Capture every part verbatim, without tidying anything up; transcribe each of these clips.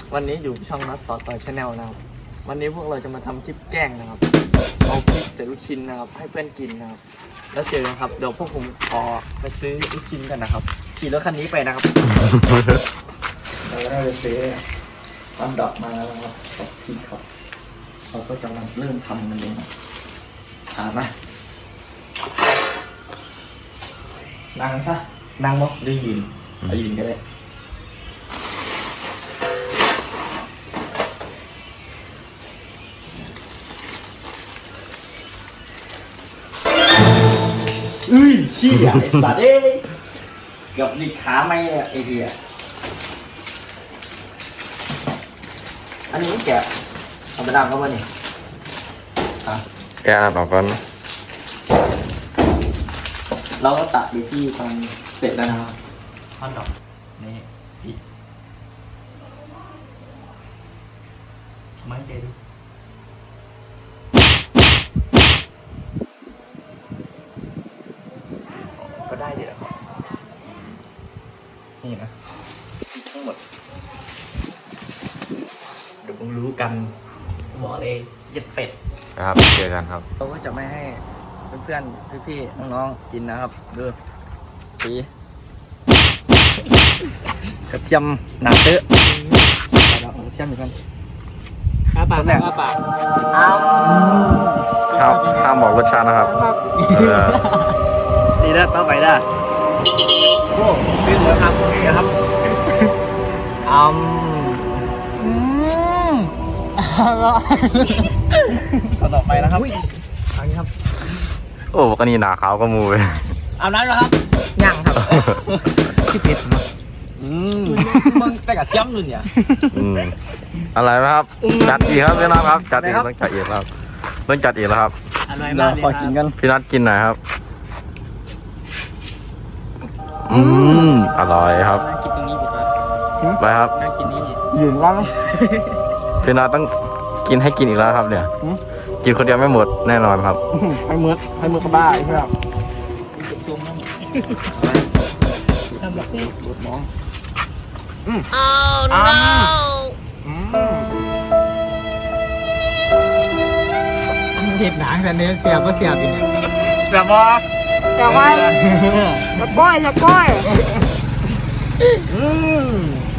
วันนี้อยู่ช่องนัทซอสต่อยชาแนลนะครับวันนี้พวกเราจะมาทำคลิปแกล้งนะครับเอาพริกใส่ลูกชิ้นนะครับให้เพื่อนกินนะครับแล้วเจอกันครับเดี๋ยวพวกผมขอไปซื้อลูกชิ้นกันนะครับขี่รถคันนี้ไปนะครับเราได้ไปซื้อตามดอกมาแล้วครับกับพริกครับเราก็จะมาเริ่มทำมันเลยนะถามนะนั่งซะนั่งบ่ได้ยืนไปยืนก็ได้อุ้ยชี้อ่ะไอ้สัตว์เอ้ยเกือบดิขาไม่ไอ้เหี้ยอันนี้แกเอาไปล้างก็ว่านี่อ่ะแกะออกก่อนเราก็ตัดอยู่ที่ตอนเสร็จแล้วนะครับท่อนดอกนี่พี่ไม่เจดิก็ได้เดี๋ยวครับนี่นะทั้งหมดเดี๋ยวผมรู้กันบอกเลยยัดเป็ดครับเจอกันครับเราก็จะไม่ให้เพื่อนๆพี่ๆน้องๆกินนะครับดูสีกระเทียมหนาเตอะเรากระเทียมเหมือนกันอ้าปากอ้าปากอ้าวห้ามห้ามบอกรสชาตินะครับดีนะต่อไปได้โอ้พี่เหลือครับเดี๋ยวครับอืมอืมอร่อยต่อไปนะครับอันนี้ครับโอ้ก็นี่หนาขาวก็มูเลยเอาน้ำแล้วครับย่างครับที่เผ็ดนะอืมมึงไปกับเทียมนู่นเนี่ยอืมอะไรไหมครับจัดอีกครับพี่นัทครับจัดอีกต้องจัดอีกแล้วต้องจัดอีกแล้วครับอร่อยมากเลยครับพี่นัทกินหน่อยครับอืมอร่อยครับกินตรงนี้ดีกว่าไปครับกินนี่ยืนว่างพี่นัทต้องกินให้กินอีกแล้วครับเนี่ยกินคนเดียวไม่หมดแน่นอนครับให้มืดให้มืดกระบ้าใช่ไหมครับทำแบบนี้ดูดมองอืมอ้าวน้าวเห็ดหนังแต่เนื้อเสียบก็เสียบอยู่เนี่ยเสียบบ่เสียบไว้สะก้อยสะก้อยอืม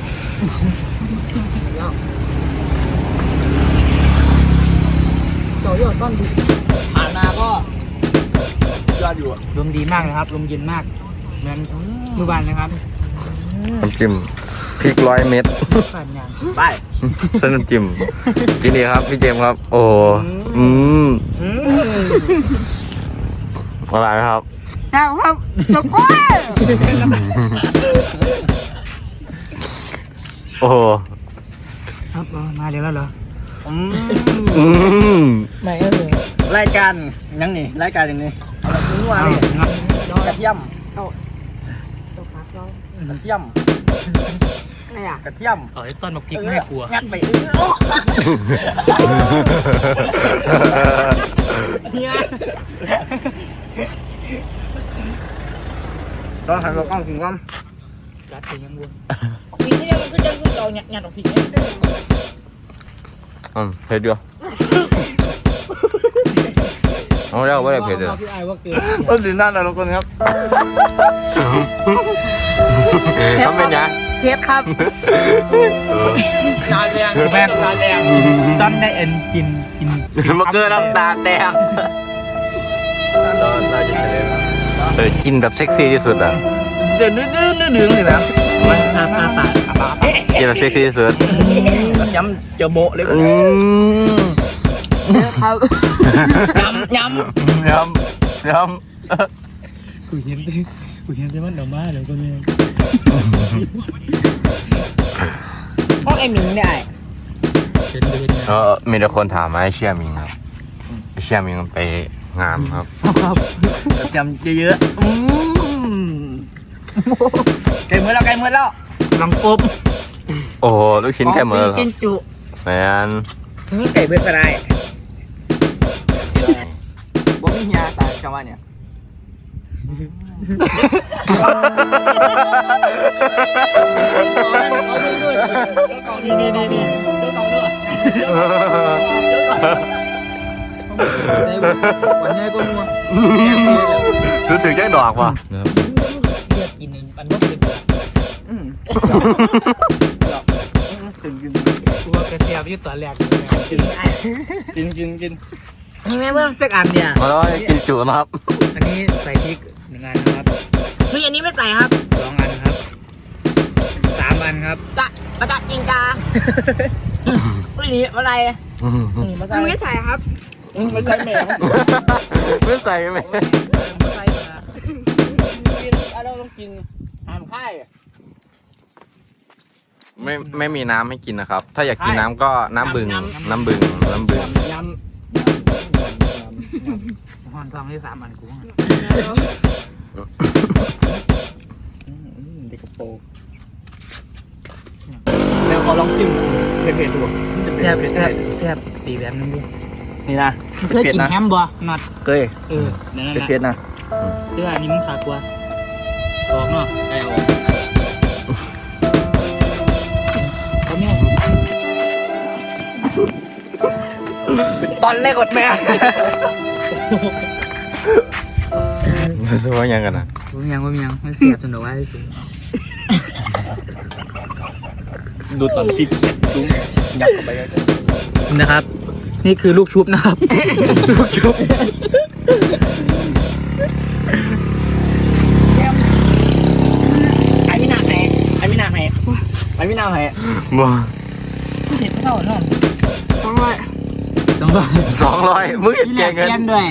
ต่อยอดต้นดีผ่านมาก็ยอดอยู่ลมดีมากนะครับลมเย็นมากเหมือนเมื่อวานนะครับน้ำจิ้มพริกร้อยเม็ดไปเส้นน้ำจิ้มกินดีครับพี่เจมส์ครับโอ้อืมอะไรครับครับครับสะก้อยโอ้ครับมาเดี๋ยวแล้วเหรออืมไม่ก็เลยรายการยังนี่รายการอย่างนี้เอาแบบนัวเลยกระเทียมกระเทียมอะไรอ่ะกระเทียมเออต้นมะพริกไม่กลัวงัดไปเนี่ยต้องหันกล้องถึงก้มจัดถึงยังวัวพริกที่มันคือจะเราหยัดหยัดออกพริกเนี่ยอืมเผ็ดด้วยเอาเรียกว่าอะไรเผ็ดเลยต้นสีหน้าเราคนครับทำเป็นยังเพชรครับตาแดงแม่ตาแดงต้นได้เอ็นกินกินมาเกินน้ำตาแดงเออกินแบบเซ็กซี่ที่สุดอ่ะเดี๋ยวนื้อนื้อนื้อเลยนะมันอาปาปากอาปากินแบบเซ็กซี่ที่สุดย้ำเจอโบเลยครับย้ำย้ำย้ำย้ำกูเห็นกูเห็นแต่มันเดามาเลยคนนี้ห้องไอ้หมิงเนี่ยเออมีแต่คนถามมาให้เชื่อมิงครับเชื่อมิงไปงานครับครับจำเยอะๆไก่เมื่อแล้วไก่เมื่อแล้วลองปุ๊บโอ้ลูกชิ้นไก่เมื่อกินจุแมนนี่ไก่เบื่อก็ได้บ่มีเฮียแต่จังหวะเนี่ยนี่นี่นี่นี่เจ้าเก่าด้วยใส่วันนี้ก็นัวซื้อถึงแจ้งดอกว่ะเลือกกินมันก็เป็นถึงกินตัวกระเทียมที่ตัวแรกกินกินกินนี่แม่เบิ้งสักอันเนี่ยมาแล้วกินจุนะครับอันนี้ใส่พริกหนึ่งอันนะครับเฮ้ยอันนี้ไม่ใส่ครับสองอันครับสามอันครับกะปะตะจิงกาไม่นี่อะไรนี่มาใส่ไม่ใส่ครับไม่ใส่แม่ไม่ใส่ไหมไม่ใส่มากินเราต้องกินห้ามค่ายไม่ไม่มีน้ำให้กินนะครับ ถ้าอยากกินน้ำก็น้ำบึงน้ำบึงน้ำบึงยำหอนทองที่สามอันกูเด็กกระโปรงแล้วเขาลองจิ้มเผ็ดๆดูแซ่บแซ่บแซ่บตีแบบนึงดินี่นะเคยกินแฮมบ่นัดเคยเออนั่นแหละเผ็ดๆนะเรื่องอันนี้มันขาดกว่าออกเนาะไอ้ออกเขาเนี่ยตอนแรกกดแม่ซื้อว่ายังกันนะผมยังผมยังมันเสียบจนดอกว่าที่สุดดูตอนพริกจุ้งยัดเข้าไปเลยนะครับ นี่คือลูกชุบนะครับ ลูกชุบไอ้ไม่นาแห่ไอ้ไม่นาแห่ไอ้ไม่นาแห่บ่เห็ดเท่าเนาะสองร้อยต้องรอสองร้อยมึงเห็นแกเงินเปลี่ยนด้วย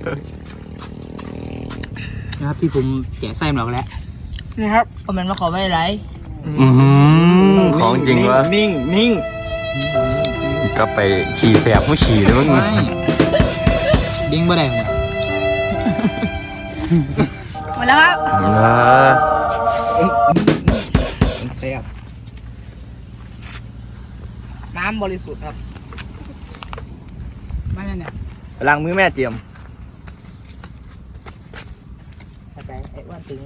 นะครับที่ผมแกะไส้มันออกแล้วนี่ครับคอมเมนต์มาขอไม่ไรอื้อหือของจริงวะนิ่งนิ่งก็ไปขี่แสบผู้ขี่เลยมึงไม่ดิ้งบ่ได้หมดหมดแล้วครับเออแซ่บน้ำบริสุทธิ์ครับไม่นั่นเนี่ยล้างมือแม่เจียมเข้าใจไอ้อ้วนตึง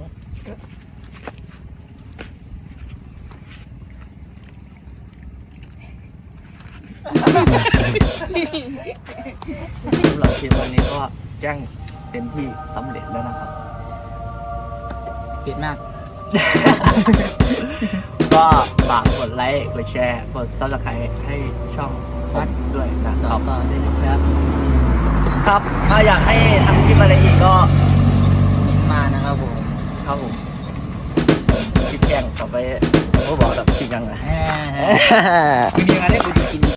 สำหรับคลิปวันนี้ก็แจ้งเป็นที่สำเร็จแล้วนะครับเผ็ดมากก็ฝากกดไลค์กดแชร์กดซับสไครต์ให้ช่องวัดด้วยนะคสอรับบ ต่อได้นะครับครับถ้าอยากให้ทำคลิปอะไรอีกก็มานะครับผมครับผมคลิปแกล้งต่อไปผมก็บอกแบบคลิปยังไงแหมมีงานให้กูจะกิน